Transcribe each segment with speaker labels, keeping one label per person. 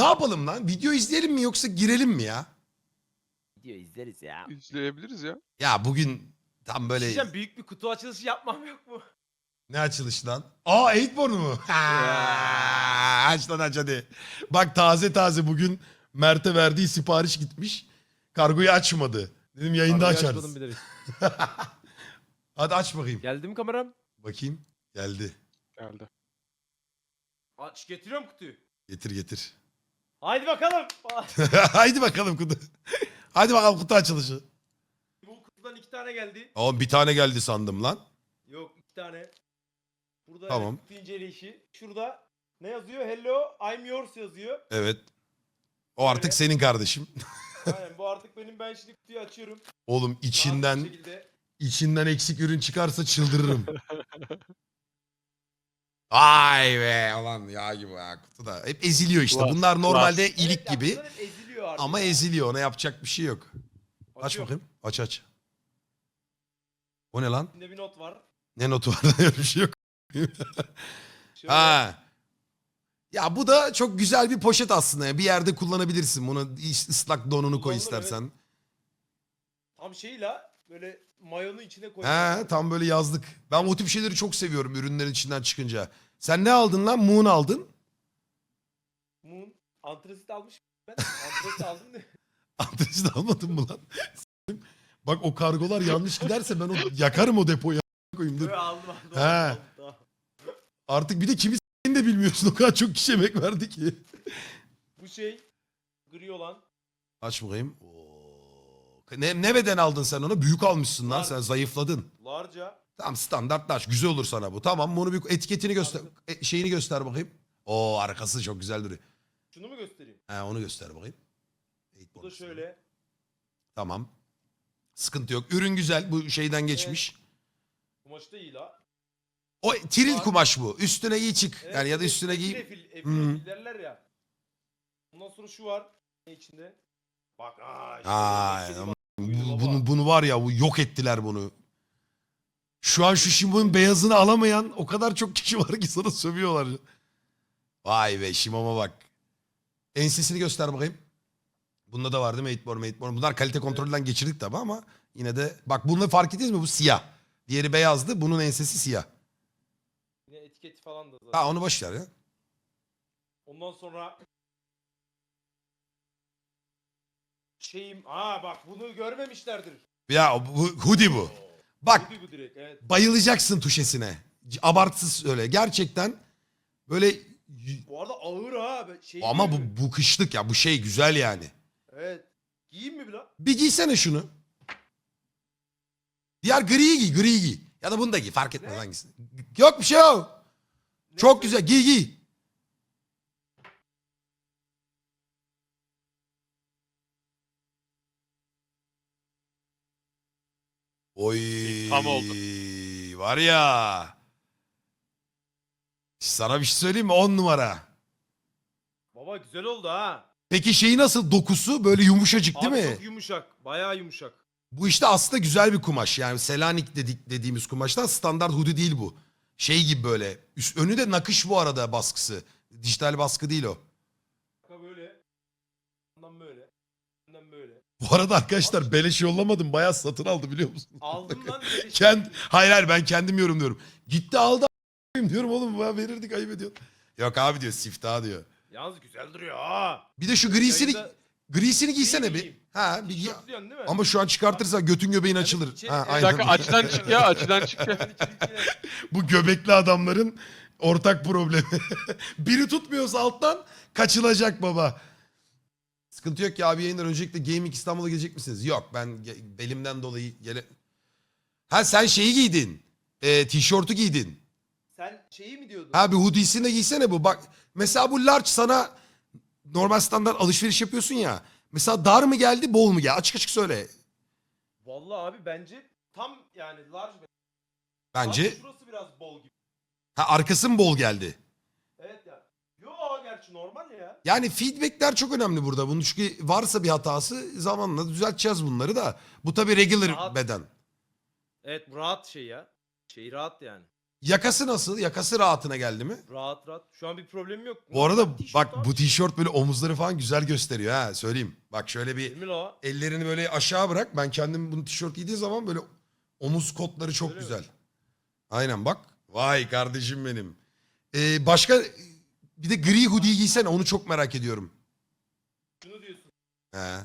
Speaker 1: yapalım lan? Video izleyelim mi yoksa girelim mi ya?
Speaker 2: Video izleriz ya.
Speaker 3: İzleyebiliriz ya.
Speaker 1: Ya bugün tam böyle...
Speaker 2: Diyeceğim, büyük bir kutu açılışı yapmam yok mu?
Speaker 1: Ne açılış lan? Aa 8born mu? Aç lan aç hadi. Bak taze bugün Mert'e verdiği sipariş gitmiş. Kargoyu açmadı. Dedim yayında
Speaker 2: Kargoyu
Speaker 1: açarız.
Speaker 2: açmadım bilerek.
Speaker 1: Hadi aç bakayım.
Speaker 2: Geldi mi kameram?
Speaker 1: Bakayım. Geldi.
Speaker 3: Geldi.
Speaker 2: Aç, getiriyorum kutuyu.
Speaker 1: Getir.
Speaker 2: Haydi bakalım.
Speaker 1: Haydi bakalım kutu. Hadi bakalım kutu açılışı.
Speaker 2: Bu kutudan 2 tane geldi.
Speaker 1: Oğlum bir tane geldi sandım lan.
Speaker 2: Yok, 2 tane. Burada
Speaker 1: Tamam.
Speaker 2: kutu inceleyişi. Şurada ne yazıyor? Hello, I'm yours yazıyor.
Speaker 1: Evet. O artık
Speaker 2: Öyle.
Speaker 1: senin kardeşim.
Speaker 2: Aynen, bu artık benim. Ben şimdi kutuyu açıyorum.
Speaker 1: Oğlum
Speaker 2: Rahat bir
Speaker 1: içinden
Speaker 2: şekilde.
Speaker 1: eksik ürün çıkarsa çıldırırım. Ay be ulan ya gibi ya kutu da. Hep eziliyor işte.
Speaker 3: Klas,
Speaker 1: Bunlar normalde
Speaker 2: Evet,
Speaker 1: ilik
Speaker 2: ya
Speaker 1: gibi.
Speaker 2: bunlar hep eziliyor artık.
Speaker 1: Ama
Speaker 2: ya.
Speaker 1: eziliyor. Ona yapacak bir şey yok. Aç
Speaker 2: Açıyorum.
Speaker 1: bakayım. Aç. O ne lan?
Speaker 2: İçinde bir not var.
Speaker 1: Ne notu var? Öyle bir şey yok.
Speaker 2: Şöyle.
Speaker 1: Ha. Ya bu da çok güzel bir poşet aslında. Ya. Bir yerde kullanabilirsin. Bunu ıslak donunu koy
Speaker 2: Kullanılır,
Speaker 1: istersen.
Speaker 2: Tam şeyle böyle mayonu içine
Speaker 1: He,
Speaker 2: koyuyor.
Speaker 1: tam böyle yazlık. Ben o tip şeyleri çok seviyorum ürünlerin içinden çıkınca. Sen ne aldın lan? Moon aldın.
Speaker 2: Moon. Antrasit almış. Ben antrasit aldım da.
Speaker 1: Adresi de almadın mı lan? Bak o kargolar yanlış giderse ben yakarım o depoyu. Koyayım dur.
Speaker 2: Böyle aldım.
Speaker 1: He.
Speaker 2: Aldım. Tamam.
Speaker 1: Artık bir de kimi s***ini de bilmiyorsun. O kadar çok kişi emek verdi ki.
Speaker 2: Bu şey gri olan.
Speaker 1: Aç bakayım. Oo. Ne beden aldın sen onu? Büyük almışsın lan.
Speaker 2: Var.
Speaker 1: Sen zayıfladın.
Speaker 2: Larca.
Speaker 1: Tamam standartlaş. Güzel olur sana bu. Tamam bunu bir etiketini göster. Şeyini göster bakayım. Oo arkası çok güzel duruyor.
Speaker 2: Şunu mu göstereyim?
Speaker 1: He onu göster bakayım.
Speaker 2: Bu da şöyle.
Speaker 1: Tamam. Sıkıntı yok. Ürün güzel. Bu şeyden geçmiş.
Speaker 2: Kumaşı da iyi la.
Speaker 1: O tril
Speaker 2: Var.
Speaker 1: kumaş bu. Üstüne giy çık.
Speaker 2: Evet,
Speaker 1: Yani ya da
Speaker 2: evet,
Speaker 1: üstüne giy.
Speaker 2: Efil derler ya. Ondan sonra şu var. Ne içinde? Bak işte
Speaker 1: Aa,
Speaker 2: böyle
Speaker 1: ama
Speaker 2: buydu baba.
Speaker 1: bunu var ya bu yok ettiler bunu. Şu an şu Shimo'nun beyazını alamayan o kadar çok kişi var ki sana sövüyorlar. Vay be Shimo'ma bak. Ensesini göster bakayım. Bunda da var değil mi? 8born. Bunlar kalite kontrolünden geçirdik tabi ama yine de bak bunu fark ettiniz mi? Bu siyah. Diğeri beyazdı. Bunun ensesi siyah.
Speaker 2: Yine etiketi falan da zaten.
Speaker 1: Ha onu boş ver ya.
Speaker 2: Ondan sonra bak bunu görmemişlerdir.
Speaker 1: Ya bu hoodie bu. Bak
Speaker 2: Bu direkt, evet.
Speaker 1: bayılacaksın tuşesine. Abartısız öyle. Gerçekten böyle
Speaker 2: Bu arada ağır ha. Şey
Speaker 1: ama
Speaker 2: gibi.
Speaker 1: bu kışlık ya bu şey güzel yani.
Speaker 2: Evet. Giyeyim mi biraz?
Speaker 1: Bir giysene şunu. Diğer griyi giy. Ya da bunu da giy fark etmez
Speaker 2: Ne?
Speaker 1: hangisi. Yok bir şey yok. Çok
Speaker 2: Neyse.
Speaker 1: güzel giy. Oy.
Speaker 3: Tam oldu.
Speaker 1: Var ya. Sana bir şey söyleyeyim mi? 10 numara.
Speaker 2: Baba güzel oldu ha.
Speaker 1: Peki şeyi nasıl dokusu? Böyle yumuşacık değil
Speaker 2: Abi
Speaker 1: mi?
Speaker 2: çok yumuşak. Bayağı yumuşak.
Speaker 1: Bu işte aslında güzel bir kumaş. Yani Selanik dediğimiz kumaştan standart hoodie değil bu. Şey gibi böyle. Önü de nakış bu arada baskısı. Dijital baskı değil o.
Speaker 2: Bak böyle. Ondan böyle. Ondan böyle.
Speaker 1: Bu arada arkadaşlar beleş yollamadım. Bayağı satın aldı biliyor musun?
Speaker 2: Aldım lan. böyle
Speaker 1: Hayır ben kendim yorumluyorum. Gitti aldı a**ayım diyorum oğlum bana verirdik ayıp ediyorsun. Yok abi diyor siftah diyor.
Speaker 2: Yalnız güzel duruyor ha.
Speaker 1: Bir de şu grisini
Speaker 2: Yayında
Speaker 1: giysene bir.
Speaker 2: giyeyim.
Speaker 1: Ha bir giy.
Speaker 2: Tişörtlüyorsun değil mi?
Speaker 1: Ama şu an çıkartırsan götün göbeğin açılır.
Speaker 2: içeri-
Speaker 1: Ha,
Speaker 2: evet.
Speaker 3: Bir
Speaker 1: aynen.
Speaker 3: dakika açıdan çık ya açıdan çık ya.
Speaker 1: Bu göbekli adamların ortak problemi. Biri tutmuyorsa alttan kaçılacak baba. Sıkıntı yok ki abi yayınlar. Öncelikle Gaming İstanbul'a gelecek misiniz? Yok ben belimden dolayı Ha sen şeyi giydin. Tişörtü giydin.
Speaker 2: Sen şeyi mi diyordun?
Speaker 1: Ha bir hoodiesini de giysene bu. Bak mesela bu large sana normal standart alışveriş yapıyorsun ya. Mesela dar mı geldi bol mu geldi? Açık açık söyle.
Speaker 2: Vallahi abi bence tam yani large.
Speaker 1: Bence.
Speaker 2: Abi şurası biraz bol gibi.
Speaker 1: Ha arkası mı bol geldi?
Speaker 2: Evet ya. Yo gerçi normal ya.
Speaker 1: Yani feedbackler çok önemli burada. Bunun çünkü varsa bir hatası zamanla düzelteceğiz bunları da. Bu tabii regular
Speaker 2: Rahat.
Speaker 1: beden.
Speaker 2: Evet bu rahat şey ya. Şey rahat yani.
Speaker 1: Yakası nasıl? Yakası rahatına geldi mi?
Speaker 2: Rahat rahat. Şu an bir problemim yok.
Speaker 1: Bu arada
Speaker 2: Tişört
Speaker 1: bak
Speaker 2: abi.
Speaker 1: bu tişört böyle omuzları falan güzel gösteriyor ha söyleyeyim. Bak şöyle bir
Speaker 2: Değil mi la?
Speaker 1: ellerini böyle aşağı bırak. Ben kendim bunu tişört giydiğim zaman böyle omuz kotları çok
Speaker 2: Öyle mi?
Speaker 1: güzel. Aynen bak. Vay kardeşim benim. Başka bir de gri hoodie giysene onu çok merak ediyorum.
Speaker 2: Şunu diyorsun.
Speaker 1: He.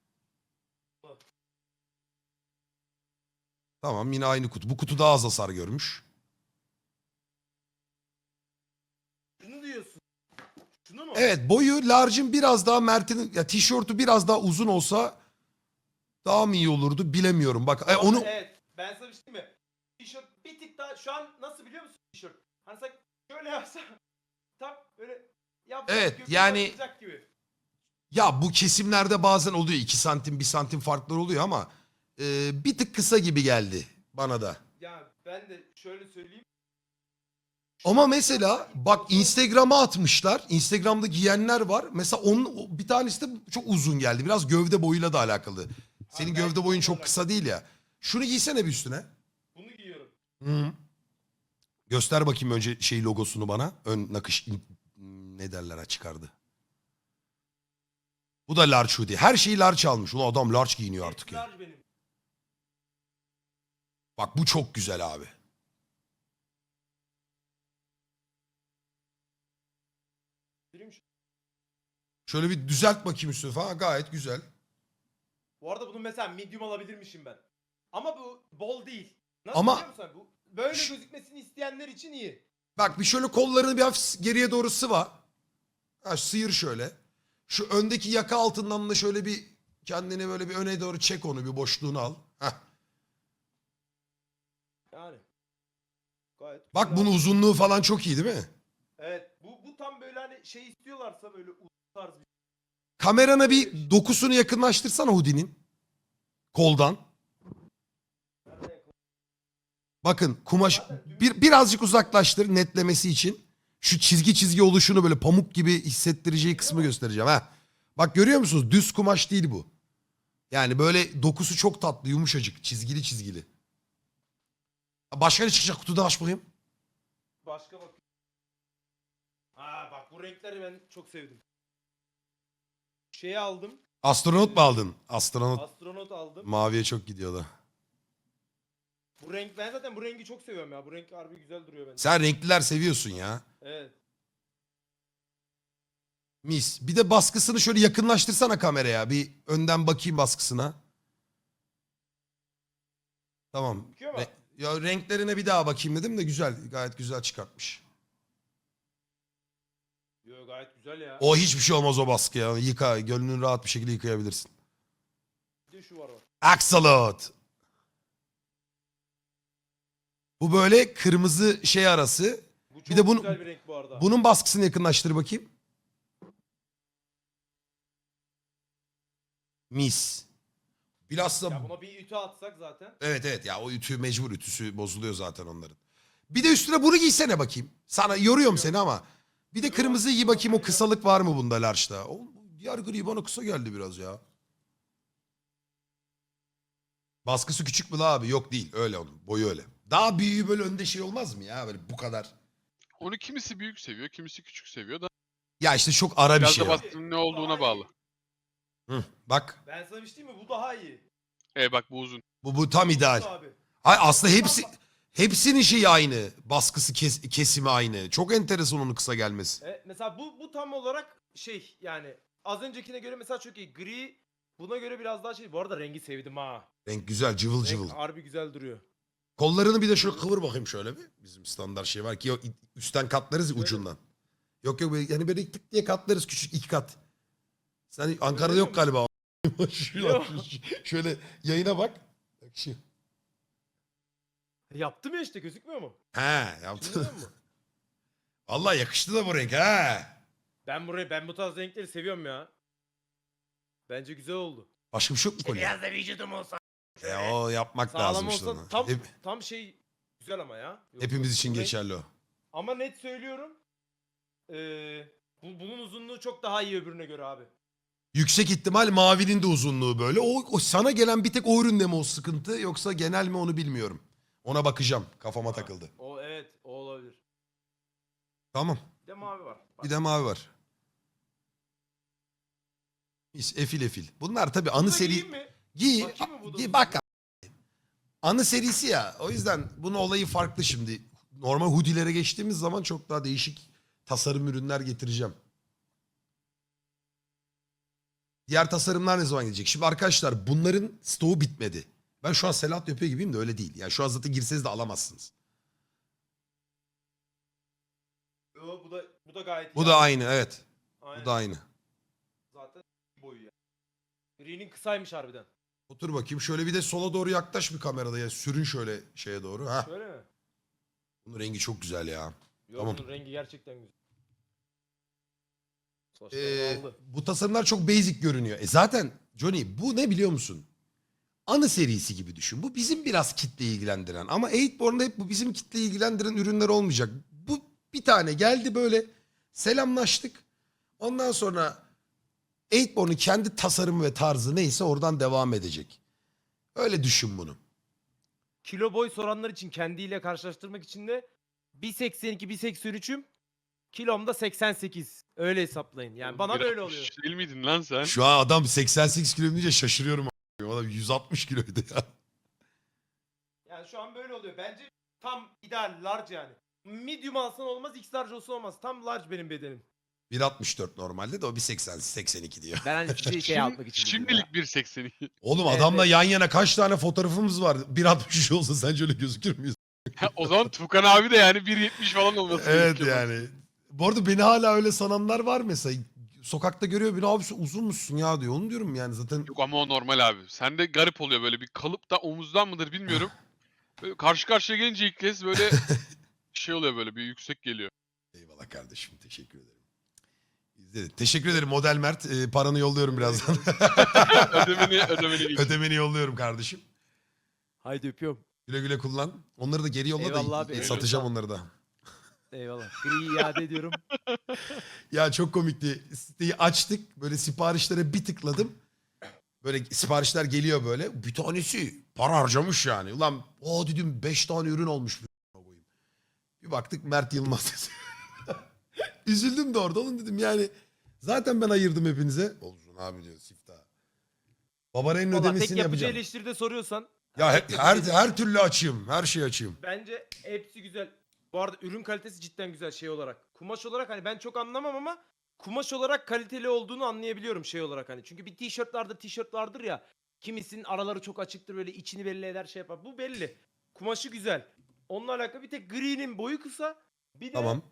Speaker 1: Tamam yine aynı kutu. Bu kutu daha az hasar görmüş.
Speaker 2: Şunu diyorsun. Şunu mu?
Speaker 1: Evet boyu large'ın biraz daha Mert'in ya tişörtü biraz daha uzun olsa daha mı iyi olurdu bilemiyorum. Bak
Speaker 2: Ama
Speaker 1: onu
Speaker 2: Evet. Ben sana bir şey diyeyim mi? Tişört bir tık daha şu an nasıl biliyor musun tişört? Hani sen şöyle yapsa tam böyle yapsa
Speaker 1: Evet,
Speaker 2: göbeği
Speaker 1: yani-
Speaker 2: açılacak gibi.
Speaker 1: ya bu kesimlerde bazen oluyor 2 santim 1 santim farklar oluyor ama bir tık kısa gibi geldi bana da.
Speaker 2: Ya ben de şöyle söyleyeyim.
Speaker 1: Ama mesela bak Instagram'a atmışlar. Instagram'da giyenler var. Mesela onun bir tanesi de çok uzun geldi. Biraz gövde boyuyla da alakalı. Senin
Speaker 2: Abi
Speaker 1: gövde
Speaker 2: belki
Speaker 1: boyun
Speaker 2: onunla
Speaker 1: çok kısa değil ya. Şunu giysene bir üstüne.
Speaker 2: Bunu giyiyorum.
Speaker 1: Hı. Göster bakayım önce şey logosunu bana. Ön nakış ne derler ha çıkardı. Bu da large hoodie. Her şeyi large almış. Ulan adam large giyiniyor artık ya.
Speaker 2: Large benim.
Speaker 1: Bak bu çok güzel abi.
Speaker 2: Bileyim şu-
Speaker 1: Şöyle bir düzelt bakayım üstüne falan. Gayet güzel.
Speaker 2: Bu arada bunu mesela medium alabilirmişim ben. Ama bu bol değil. Nasıl
Speaker 1: Ama-
Speaker 2: biliyor musun? Bu böyle
Speaker 1: Şş.
Speaker 2: gözükmesini isteyenler için iyi.
Speaker 1: Bak bir şöyle kollarını bir hafif geriye doğru sıva. Ha, sıyır şöyle. Şu öndeki yaka altından da şöyle bir kendini böyle bir öne doğru çek onu bir boşluğunu al. Heh.
Speaker 2: Yani. Gayet
Speaker 1: Bak
Speaker 2: güzel
Speaker 1: bunun
Speaker 2: abi.
Speaker 1: uzunluğu falan çok iyi değil mi?
Speaker 2: Evet. Bu tam böyle hani şey istiyorlarsa böyle uzun tarz bir
Speaker 1: Kamerana bir dokusunu yakınlaştırsana hoodie'nin. Koldan. Bakın kumaş birazcık uzaklaştır netlemesi için. Şu çizgi çizgi oluşunu böyle pamuk gibi hissettireceği kısmı göstereceğim ha. Bak görüyor musunuz? Düz kumaş değil bu. Yani böyle dokusu çok tatlı, yumuşacık, çizgili çizgili. Başka ne çıkacak kutuda aç bakayım.
Speaker 2: başka bak. Aa bak bu renkleri ben çok sevdim. Şeyi aldım.
Speaker 1: Astronot mu aldın? Astronot
Speaker 2: Astronot aldım.
Speaker 1: maviye çok gidiyor da.
Speaker 2: Bu renk ben zaten bu rengi çok seviyorum ya. Bu renk harbi güzel duruyor bence.
Speaker 1: Sen renkliler seviyorsun ya.
Speaker 2: Evet.
Speaker 1: Mis. Bir de baskısını şöyle yakınlaştırsana kameraya. Bir önden bakayım baskısına. Tamam.
Speaker 2: Bakıyor mu?
Speaker 1: Ya renklerine bir daha bakayım dedim de güzel. Gayet güzel çıkartmış.
Speaker 2: Yo gayet güzel ya.
Speaker 1: O hiçbir şey olmaz o baskı ya. Yıka. Gönlünü rahat bir şekilde yıkayabilirsin.
Speaker 2: Bir de şu var bak.
Speaker 1: Axolot. Bu böyle kırmızı şey arası.
Speaker 2: Bu çok
Speaker 1: de bunu-
Speaker 2: güzel bir renk bu arada.
Speaker 1: Bunun baskısını yakınlaştır bakayım. Mis. Bilhassa
Speaker 2: Ya buna bir ütü atsak zaten.
Speaker 1: evet evet ya o ütü mecbur ütüsü bozuluyor zaten onların. Bir de üstüne bunu giysene bakayım. Sana yoruyorum seni ama. Bir de kırmızı giy bakayım o kısalık var mı bunda large'da? O diğer gri bana kısa geldi biraz ya. Baskısı küçük mü la abi? Yok değil öyle onun boyu öyle. Daha büyüğü böyle önde şey olmaz mı ya böyle bu kadar.
Speaker 3: Onu kimisi büyük seviyor, kimisi küçük seviyor da.
Speaker 1: Ya işte çok ara bir
Speaker 3: Biraz
Speaker 1: şey
Speaker 3: da
Speaker 1: o.
Speaker 3: baskının ne olduğuna bağlı.
Speaker 1: Hı, bak
Speaker 2: Ben sana bir şey diyeyim mi? Bu daha iyi.
Speaker 3: Bak bu uzun.
Speaker 1: bu tam ideal.
Speaker 2: Bu abi.
Speaker 1: Hayır aslında hepsinin şeyi aynı. Baskısı kesimi aynı. Çok enteresan onun kısa gelmesi.
Speaker 2: Mesela bu tam olarak şey yani az öncekine göre mesela çok iyi. Gri buna göre biraz daha şey. Bu arada rengi sevdim ha.
Speaker 1: Renk güzel cıvıl
Speaker 2: Renk
Speaker 1: cıvıl.
Speaker 2: harbi güzel duruyor.
Speaker 1: Kollarını bir de şöyle kıvır bakayım şöyle bir. Bizim standart şey var ki yok, üstten katlarız ya
Speaker 2: Böyle.
Speaker 1: ucundan. Yok böyle, yani böyle tık diye katlarız küçük 2 kat. Sen Ankara'da
Speaker 2: Öyle
Speaker 1: yok
Speaker 2: mi?
Speaker 1: galiba.
Speaker 2: Yok.
Speaker 1: Şöyle yayına bak. Bak şu.
Speaker 2: Yaptım ya işte gözükmüyor mu?
Speaker 1: He
Speaker 2: Şimdi
Speaker 1: yaptın.
Speaker 2: görüyor musun?
Speaker 1: Vallahi yakıştı da bu renk he.
Speaker 2: Ben bu tarz renkleri seviyorum ya. Bence güzel oldu.
Speaker 1: Başka bir şey yok mu kolye?
Speaker 2: Biraz da vücudum olsa.
Speaker 1: O yapmak
Speaker 2: Sağlam
Speaker 1: lazım işte
Speaker 2: olsa
Speaker 1: onu.
Speaker 2: tam şey güzel ama ya. Yok,
Speaker 1: Hepimiz
Speaker 2: yok,
Speaker 1: için
Speaker 2: bu renk-
Speaker 1: geçerli o.
Speaker 2: Ama net söylüyorum. Bunun uzunluğu çok daha iyi öbürüne göre abi.
Speaker 1: Yüksek ihtimal mavinin de uzunluğu böyle. O sana gelen bir tek o üründe mi o sıkıntı yoksa genel mi onu bilmiyorum. Ona bakacağım. Kafama takıldı.
Speaker 2: O evet Evet o olabilir.
Speaker 1: Tamam.
Speaker 2: Bir de mavi var. Bak.
Speaker 1: Bir de mavi var. Efil efil. Bunlar tabii anı
Speaker 2: Bunu da
Speaker 1: seri...
Speaker 2: giyeyim mi?
Speaker 1: Giy.
Speaker 2: Bakayım mı bu da
Speaker 1: Giy
Speaker 2: uzun?
Speaker 1: bak. Anı serisi ya. O yüzden bunun olayı farklı şimdi. Normal hoodie'lere geçtiğimiz zaman çok daha değişik tasarım ürünler getireceğim. Diğer tasarımlar ne zaman gelecek? Şimdi arkadaşlar bunların stoğu bitmedi. Ben şu an Selahat yapıyor gibiyim de öyle değil. Yani şu an zaten girseniz de alamazsınız.
Speaker 2: Yo, bu da gayet
Speaker 1: Bu
Speaker 2: iyi
Speaker 1: da
Speaker 2: abi.
Speaker 1: aynı evet.
Speaker 2: Aynen.
Speaker 1: Bu da aynı.
Speaker 2: Zaten boyu ya. Gri'nin kısaymış harbiden.
Speaker 1: Otur bakayım. Şöyle bir de sola doğru yaklaş bir kamerada ya. Sürün şöyle şeye doğru. Ha.
Speaker 2: Şöyle mi?
Speaker 1: Bunun rengi çok güzel ya.
Speaker 2: Yo,
Speaker 1: Tamam.
Speaker 2: bunun rengi gerçekten güzel. Saçlarını aldı.
Speaker 1: Bu tasarımlar çok basic görünüyor. Zaten Johnny bu ne biliyor musun? Anı serisi gibi düşün. Bu bizim biraz kitle ilgilendiren. Ama 8born'da hep bu bizim kitle ilgilendiren ürünler olmayacak. Bu bir tane geldi böyle selamlaştık. Ondan sonra 8born'un kendi tasarımı ve tarzı neyse oradan devam edecek. Öyle düşün bunu.
Speaker 2: Kilo boy soranlar için kendiyle karşılaştırmak için de 1.82 1.83'üm. Kilom da 88. Öyle hesaplayın. Yani bana da öyle
Speaker 3: 1.60
Speaker 2: oluyor.
Speaker 3: Değil miydin lan sen?
Speaker 1: Şu an adam 88 kilo deyince şaşırıyorum. O adam 160 kiloydu ya.
Speaker 2: Yani şu an böyle oluyor. Bence tam ideal large yani. Medium alsan olmaz, X large olsa olmaz. Tam large benim bedenim.
Speaker 1: 1.64 normalde de o 1.80 82 diyor.
Speaker 2: Ben hani sizi şey yapmak için.
Speaker 3: Şimdilik 1.82.
Speaker 1: Oğlum
Speaker 2: Evet,
Speaker 1: adamla
Speaker 2: evet.
Speaker 1: yan yana kaç tane fotoğrafımız var? 1.63 olsa sence öyle gözükür müyüz?
Speaker 3: O zaman Tukan abi de yani 1.70 falan olması
Speaker 1: Evet
Speaker 3: gerekiyor.
Speaker 1: yani. Bu arada beni hala öyle sananlar var mesela. Sokakta görüyor beni abi sen uzun musun ya diyor. Onu diyorum yani zaten.
Speaker 3: Yok ama o normal abi. Sende garip oluyor böyle bir kalıpta omuzdan mıdır bilmiyorum. Böyle karşı karşıya gelince ilk kez böyle şey oluyor böyle bir yüksek geliyor.
Speaker 1: Eyvallah kardeşim teşekkür ederim. İzledim. Teşekkür ederim Model Mert. Paranı yolluyorum birazdan.
Speaker 3: ödemeni geç.
Speaker 1: Ödemeni yolluyorum kardeşim.
Speaker 2: Haydi öpüyorum.
Speaker 1: Güle güle kullan. Onları da geri yolla
Speaker 2: Eyvallah
Speaker 1: da
Speaker 2: abi,
Speaker 1: satacağım
Speaker 2: eyvallah.
Speaker 1: onları da.
Speaker 2: Eyvallah. Gri'yi iade ediyorum.
Speaker 1: Ya çok komikti. Siteyi açtık. Böyle siparişlere bir tıkladım. Böyle siparişler geliyor böyle. Bir tanesi para harcamış yani. Ulan o dedim 5 tane ürün olmuş. Bir baktık Mert Yılmaz. Üzüldüm de orada. Oğlum dedim yani. Zaten ben ayırdım hepinize. Olsun abi diyor siftah. Babarenin
Speaker 2: Valla tek
Speaker 1: ödemesini
Speaker 2: yapıcı
Speaker 1: yapacağım.
Speaker 2: eleştiride soruyorsan.
Speaker 1: Ya
Speaker 2: tek
Speaker 1: her,
Speaker 2: yapıcı
Speaker 1: her türlü açayım. Her şeyi açayım.
Speaker 2: Bence hepsi güzel. Bu arada ürün kalitesi cidden güzel şey olarak. Kumaş olarak hani ben çok anlamam ama kumaş olarak kaliteli olduğunu anlayabiliyorum şey olarak hani. Çünkü bir tişört vardır ya. Kimisinin araları çok açıktır böyle içini belli eder şey yapar. Bu belli. Kumaşı güzel. Onunla alakalı bir tek gri'nin boyu kısa. Bir de
Speaker 1: Tamam.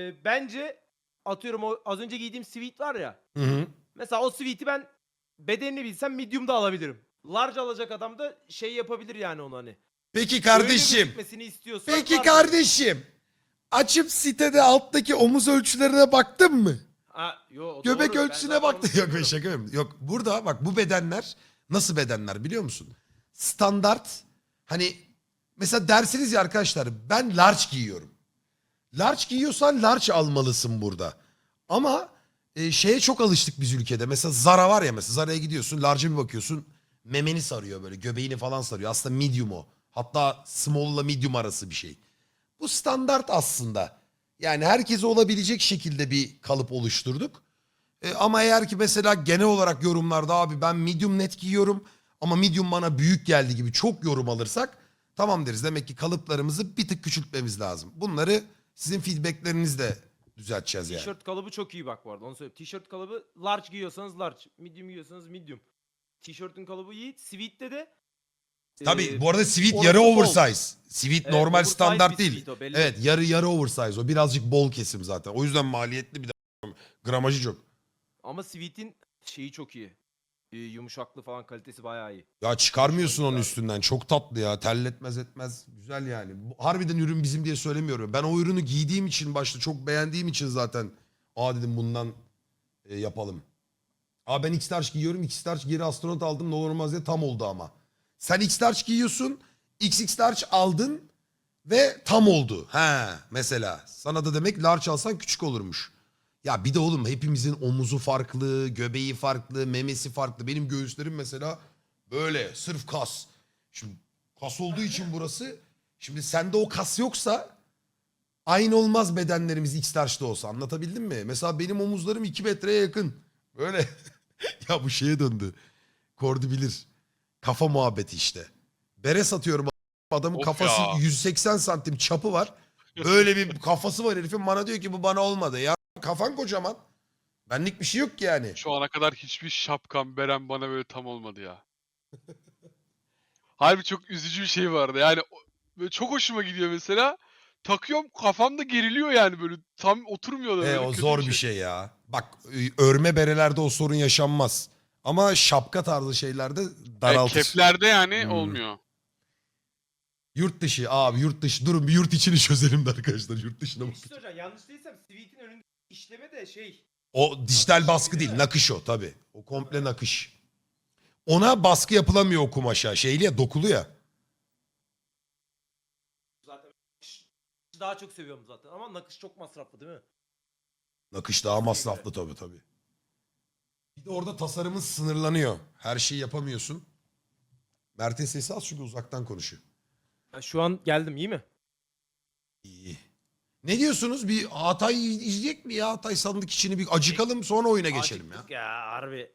Speaker 2: bence atıyorum o az önce giydiğim sweat var ya.
Speaker 1: Hı hı.
Speaker 2: Mesela o sweat'i ben bedenini bilsem medium'da alabilirim. Large alacak adam da şey yapabilir yani onu hani.
Speaker 1: Peki
Speaker 2: Öyle
Speaker 1: kardeşim.
Speaker 2: gözükmesini istiyorsan
Speaker 1: Peki
Speaker 2: large
Speaker 1: kardeşim. Açıp sitede alttaki omuz ölçülerine baktın mı?
Speaker 2: Ha, yo, o
Speaker 1: Göbek
Speaker 2: doğru. Ben
Speaker 1: ölçüsüne
Speaker 2: zaten
Speaker 1: baktın.
Speaker 2: onu
Speaker 1: Yok ben
Speaker 2: söylüyorum.
Speaker 1: şaka yapıyorum. Yok burada bak bu bedenler nasıl bedenler biliyor musun? Standart hani mesela dersiniz ya arkadaşlar ben large giyiyorum. Large giyiyorsan large almalısın burada. Ama şeye çok alıştık biz ülkede. Mesela Zara var ya mesela Zara'ya gidiyorsun large'a bir bakıyorsun memeni sarıyor böyle göbeğini falan sarıyor. Aslında medium o. Hatta small ile medium arası bir şey. Bu standart aslında. Yani herkese olabilecek şekilde bir kalıp oluşturduk. Ama eğer ki mesela genel olarak yorumlarda abi ben medium net giyiyorum ama medium bana büyük geldi gibi çok yorum alırsak tamam deriz. Demek ki kalıplarımızı bir tık küçültmemiz lazım. Bunları sizin feedbacklerinizle düzelteceğiz yani.
Speaker 2: Tişört kalıbı çok iyi bak bu arada onu söyleyeyim. Tişört kalıbı large giyiyorsanız large, medium giyiyorsanız medium. Tişörtün kalıbı iyi. Sweat'te de
Speaker 1: Tabii bu arada sweat
Speaker 2: orası
Speaker 1: yarı
Speaker 2: bol.
Speaker 1: oversize. Sweat
Speaker 2: Evet,
Speaker 1: normal
Speaker 2: oversize
Speaker 1: standart
Speaker 2: bir
Speaker 1: değil.
Speaker 2: sweat o, belli.
Speaker 1: Evet yarı oversize o birazcık bol kesim zaten. O yüzden maliyetli bir de gramajı çok.
Speaker 2: Ama sweat'in şeyi çok iyi. Yumuşaklığı falan kalitesi bayağı iyi.
Speaker 1: Ya çıkarmıyorsun onun
Speaker 2: Abi.
Speaker 1: üstünden. Çok tatlı ya. Terletmez etmez. Güzel yani. Harbiden ürün bizim diye söylemiyorum. Ben o ürünü giydiğim için başta çok beğendiğim için zaten dedim bundan yapalım. Ben X-Large giyiyorum. X-Large geri astronot aldım. Ne olur olmaz diye tam oldu ama. Sen X-Large giyiyorsun. XX-Large aldın ve tam oldu. Mesela. Sana da demek large alsan küçük olurmuş. Ya bir de oğlum hepimizin omuzu farklı, göbeği farklı, memesi farklı. Benim göğüslerim mesela böyle sırf kas. Şimdi kas olduğu için burası. Şimdi sende o kas yoksa aynı olmaz bedenlerimiz X-Large'da olsa, anlatabildim mi? Mesela benim omuzlarım 2 metreye yakın. Böyle ya bu şeye döndü. Kordi bilir. Kafa muhabbeti işte. Bere satıyorum, adamın
Speaker 3: Of
Speaker 1: kafası
Speaker 3: ya.
Speaker 1: 180 santim çapı var. Böyle bir kafası var herifin, bana diyor ki bu bana olmadı. Ya kafan kocaman. Benlik bir şey yok ki yani.
Speaker 3: Şu ana kadar hiçbir şapkam, berem bana böyle tam olmadı ya. Harbi çok üzücü bir şey vardı. Yani böyle çok hoşuma gidiyor mesela. Takıyorum kafamda geriliyor yani böyle tam oturmuyor da böyle
Speaker 1: O
Speaker 3: kötü
Speaker 1: zor bir şey ya. Bak örme berelerde o sorun yaşanmaz. Ama şapka tarzı şeylerde daraltır.
Speaker 3: Keplerde yani
Speaker 1: Hmm.
Speaker 3: olmuyor.
Speaker 1: Yurt dışı abi, yurt dışı. Durun bir yurt içini çözelim de arkadaşlar. Yurt dışına
Speaker 2: Bir
Speaker 1: bak.
Speaker 2: şey söyleyeceğim. Yanlış değilsem Sweet'in önünde işleme de şey.
Speaker 1: O dijital baskı değil, nakış o tabii. O komple nakış. Ona baskı yapılamıyor o kumaşa. Şeyli ya, dokulu ya.
Speaker 2: Zaten daha çok seviyorum zaten ama nakış çok masraflı değil mi?
Speaker 1: Nakış daha masraflı tabii. Bir de orada tasarımın sınırlanıyor. Her şeyi yapamıyorsun. Mert'in sesi az çünkü uzaktan konuşuyor.
Speaker 2: Şu an geldim iyi mi?
Speaker 1: İyi. Ne diyorsunuz? Bir Hatay izleyecek mi ya? Hatay sandık içini bir acıkalım, sonra oyuna geçelim ya.
Speaker 2: Acıktık ya harbi.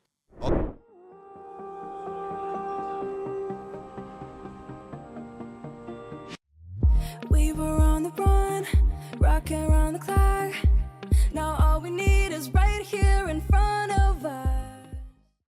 Speaker 4: We were on the run, rocking around the clock.